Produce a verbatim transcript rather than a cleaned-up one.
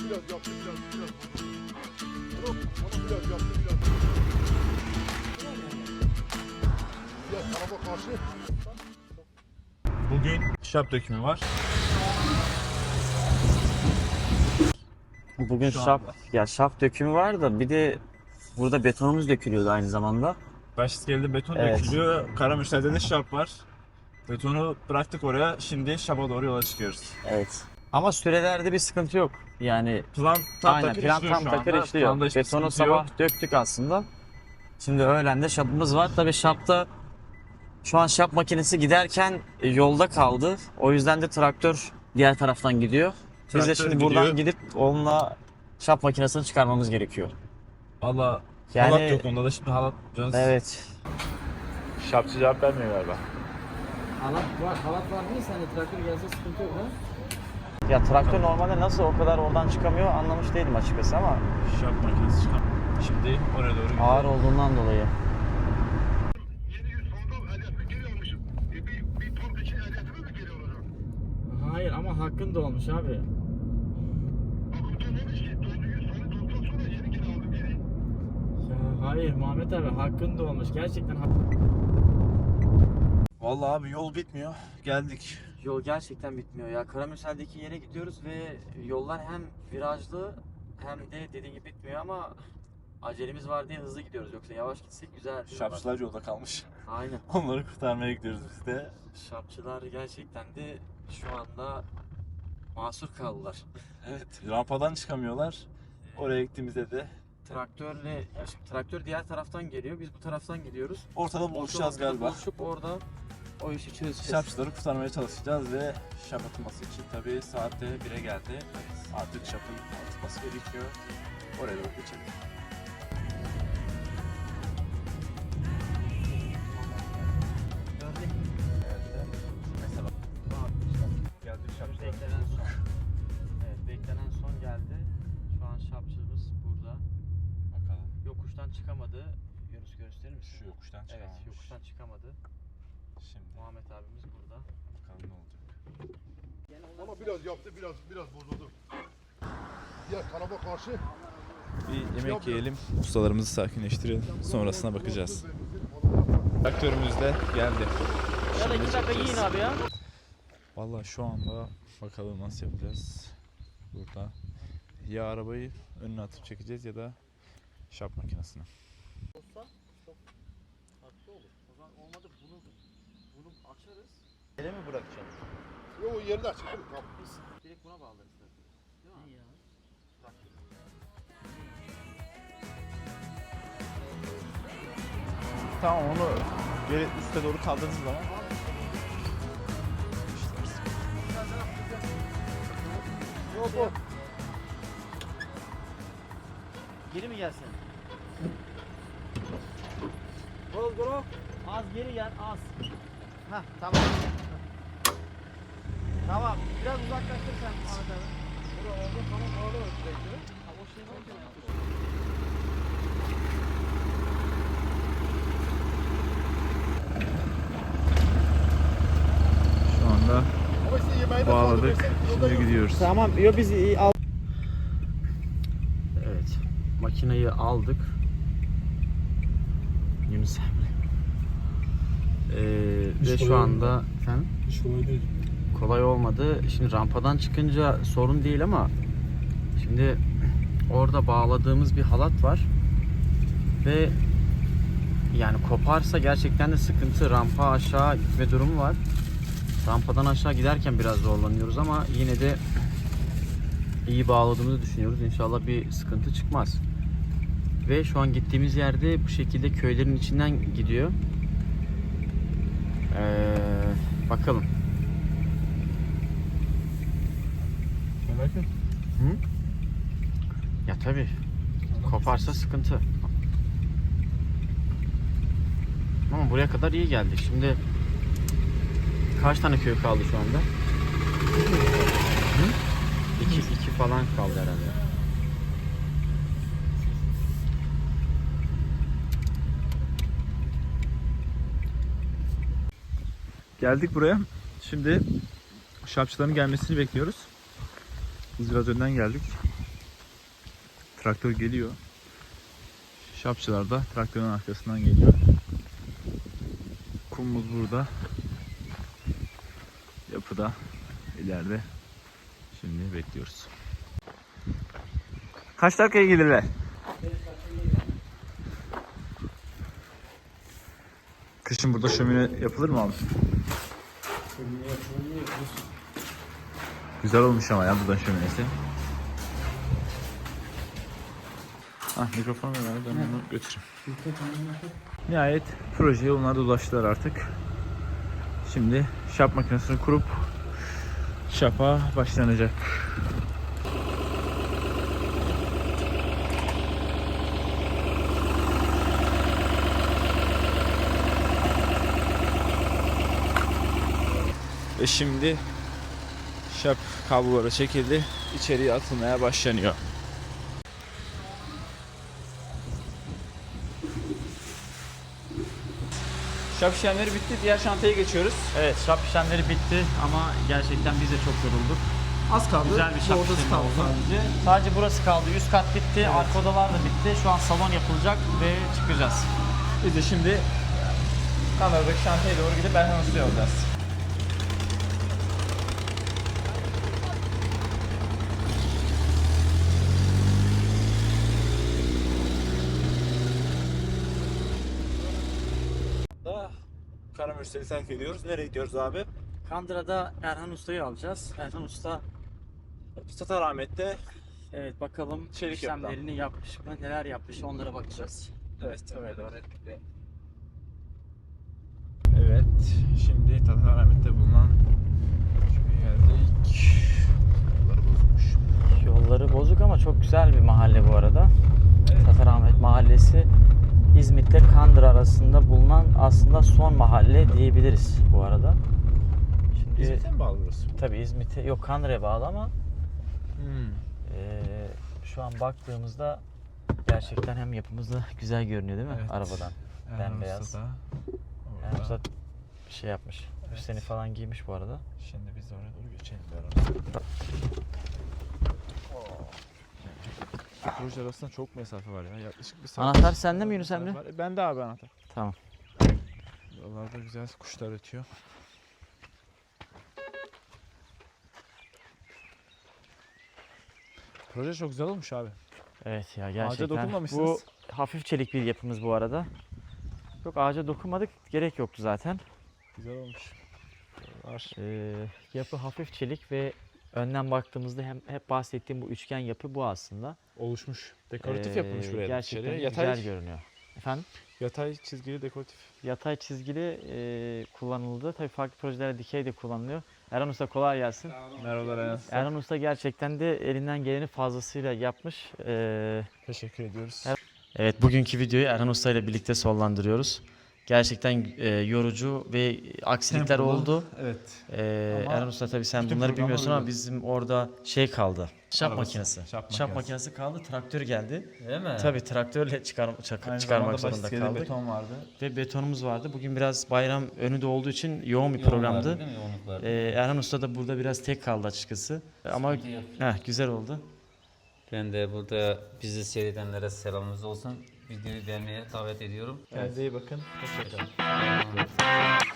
biraz yaptı biraz biraz. Onu, onu biraz yaptı biraz. Biraz tarafa karşı. Bugün şap dökümü var. Bugün Şu şap, anda. ya şap dökümü var da bir de burada betonumuz dökülüyordu aynı zamanda. Baş iskelede beton Evet. dökülüyor. Karamürsel'de de şap var. Betonu bıraktık oraya. Şimdi şapa doğru yola çıkıyoruz. Evet. Ama sürelerde bir sıkıntı yok. Yani Plan tam aynen takır plan işliyor tam şu takır anda. işliyor. Planda hiçbir Betonu sıkıntı yok. sabah döktük aslında. Şimdi öğlen de şapımız var. Tabii şapta şu an şap makinesi giderken e, yolda kaldı. O yüzden de traktör diğer taraftan gidiyor. Biz de Traktör şimdi buradan gidiyor. gidip onunla şap makinesini çıkarmamız gerekiyor. Valla Yani- halat yok onda da şimdi halat yapacağız. Evet. Şapçı cevap vermiyor galiba. Halat var, halat var değil sende traktör gelse sıkıntı yok ha? Ya traktör normalde nasıl o kadar oradan çıkamıyor anlamış değilim açıkçası ama Şap makinesi çıkan. Şimdi oraya doğru gidiyoruz. ağır olduğundan dolayı. yedi yüz fazla ehliyetimi geri almışım. E, bir, bir ton için ehliyetimi mi geri alacağım? Hayır ama hakkın da olmuş abi. Akıl dolmamış ki. Doldu yüz tane dolduktan sonra yeni geri aldım geri. Ya hayır Muhammed abi hakkın da olmuş gerçekten hak... Vallahi abi yol bitmiyor. Geldik. Yol gerçekten bitmiyor ya. Karamürsel'deki yere gidiyoruz ve yollar hem virajlı hem de dediğin gibi bitmiyor ama acelemiz var diye hızlı gidiyoruz. Yoksa yavaş gitsek güzel. Şapçılar yolda kalmış. Aynen. Onları kurtarmaya gidiyoruz biz de. Şapçılar gerçekten de şu anda mahsur kaldılar. Evet. Rampadan çıkamıyorlar. Oraya gittiğimizde de Traktörle, ya şimdi traktör diğer taraftan geliyor. Biz bu taraftan gidiyoruz. ortada buluşacağız Ortada galiba. Buluşup orada o işi çözeceğiz. Şapçıları kurtarmaya çalışacağız ve şap atılması için tabii saatte bire geldi. Artık şapın atılması gerekiyor. Oraya doğru geçelim. Mesela geldik şapçılar. Beklenen son. Evet, beklenen son geldi. Şu an şapçımız burada. Bakalım. Yokuştan çıkamadı. Yunus gösterir misin? Şu yokuştan Evet, çıkamamış. yokuştan çıkamadı. Şimdi Muhammed abimiz burada. bakalım ne olacak. Ama biraz yaptı biraz biraz bozuldu. Diğer tarafa karşı. Bir yemek yiyelim, ustalarımızı sakinleştirelim. Sonrasına bakacağız. Traktörümüz de geldi. Ya da iki dakika yiyin abi ya. Vallahi şu anda bakalım nasıl yapacağız. Burada ya arabayı önüne atıp çekeceğiz ya da şap makinesini. Haklı olur. O zaman olmadı bunu bunu açarız. Yere mi bırakacaksın? Yok o yerinde çıkıyor. Tamam. Biz direkt buna bağlarız zaten. Değil mi? Ya. Tamam onu geri üste doğru kaldırdığınız zaman Yok yok. Geri mi gelsin? Gol gol. Az geri gel az. Hah tamam. Tamam biraz uzaklaştır sen Muhammed abi. Burada oldu tamam orada bekliyor. O şey ne olacak? şu anda Ama işte yemeği de bağladık. fazla versen, yolda Şimdi yok. gidiyoruz. Tamam yo biz iyi al. Evet. Makineyi aldık. Yunus Emre. Ee, ve şu anda efendim? Hiç kolay değil. Kolay olmadı. Şimdi rampadan çıkınca sorun değil ama şimdi orada bağladığımız bir halat var ve yani koparsa gerçekten de sıkıntı. Rampa aşağı gitme durumu var. Rampadan aşağı giderken biraz zorlanıyoruz ama yine de iyi bağladığımızı düşünüyoruz. İnşallah bir sıkıntı çıkmaz. Ve şu an gittiğimiz yerde bu şekilde köylerin içinden gidiyor. Ee, bakalım. Merak et. Hı? Ya tabii. Koparsa sıkıntı. Ama buraya kadar iyi geldik. Şimdi kaç tane köy kaldı şu anda? Hı? İki, iki falan kaldı herhalde. Geldik buraya. Şimdi şapçıların gelmesini bekliyoruz. Biz biraz önden geldik. traktör geliyor. Şapçılar da traktörün arkasından geliyor. Kumumuz burada. Yapıda ileride. Şimdi bekliyoruz. Kaç dakikaya gelirler? Kışın burada şömine yapılır mı abi? Güzel olmuş ama ya buradan şöminesi. Ah mikrofonu ver abi, ben onu götüreyim. Nihayet projeye onlar da ulaştılar artık. Şimdi şap makinesini kurup şapa başlanacak. Ve şimdi şap kabloları çekildi. İçeriye atılmaya başlanıyor. Şap işlemleri bitti. Diğer şantaya geçiyoruz. Evet, şap işlemleri bitti ama gerçekten biz de çok yorulduk. Az kaldı. Güzel bir şap Bu odası işlemi kaldı oldu. sadece. Sadece burası kaldı. Üst kat bitti, arka odalar da bitti. Şu an salon yapılacak ve çıkacağız. Biz de şimdi Kanada'daki şantaya doğru gidip Erhan Usta'ya olacağız. Karamürsel'i terk ediyoruz. Nereye gidiyoruz abi? Kandıra'da Erhan Usta'yı alacağız. Erhan Usta, Sultanahmet'te. evet bakalım Çelik işlemlerini yapmış mı, neler yapmış onlara bakacağız. Evet, evet, evet. Evet, şimdi Sultanahmet'te bulunan köye geldik. Yolları bozulmuş. Yolları bozuk ama çok güzel bir mahalle bu arada. Evet. Tatarahmet Mahallesi İzmit'te Kandıra arasında bulunan aslında son mahalle diyebiliriz bu arada. Şimdi İzmit'e mi bağlı burası? tabii İzmit'e yok, Kandıra'ya bağlı ama Hmm. eee, şu an baktığımızda gerçekten hem yapımız da güzel görünüyor değil mi Evet. arabadan? Bembeyaz. Usta da Erhan orada. Usta bir şey yapmış. Evet. Üstlerini falan giymiş bu arada. Şimdi biz de oraya doğru geçelim beraber. Proje arasında çok mesafe var ya. Yaklaşık bir saat. Anahtar sende mi Yunus Emre? Var. Bende abi anahtar. Tamam. Buralarda güzel kuşlar ötüyor. Proje çok güzel olmuş abi. Evet ya gerçekten. dokunmamışsınız. Bu hafif çelik bir yapımız bu arada. Yok, ağaca dokunmadık. Gerek yoktu zaten. Güzel olmuş. Var. Ee, yapı hafif çelik ve önden baktığımızda hem hep bahsettiğim bu üçgen yapı bu aslında. Oluşmuş. Dekoratif Ee, yapılmış buraya. Gerçekten dışarıya. güzel Yatay, görünüyor. Efendim? yatay çizgili dekoratif. Yatay çizgili e, kullanıldı. Tabii farklı projelerde dikey de kullanılıyor. Erhan Usta kolay gelsin. Merhabalar Enes. Erhan Usta gerçekten de elinden geleni fazlasıyla yapmış. Ee, Teşekkür ediyoruz. Evet. Evet, bugünkü videoyu Erhan Usta ile birlikte sonlandırıyoruz. Gerçekten e, yorucu ve aksilikler Tempolu. oldu. Evet. Ee, Ama Erhan Usta tabii sen bütün bunları programlar bilmiyorsun ama uygun. bizim orada şey kaldı. Şap Arabası, makinesi. şap Şap, makinesi. makinesi kaldı, traktör geldi. Değil mi? Tabii traktörle çıkar, çak- Aynı çıkarmak zamanda zorunda basit kaldık. beton vardı. Ve betonumuz vardı. Bugün biraz bayram önü de olduğu için yoğun bir Yoğun programdı. vardı, değil mi? Yoğunluk vardı. Ee, Erhan Usta da burada biraz tek kaldı açıkçası. Ama Sıkıntı yok. heh, güzel oldu. Ben de burada bizi seyredenlere selamımız olsun. Videoyu beğenmeye davet ediyorum. Kendinize iyi bakın. Hoşçakalın. Tamam.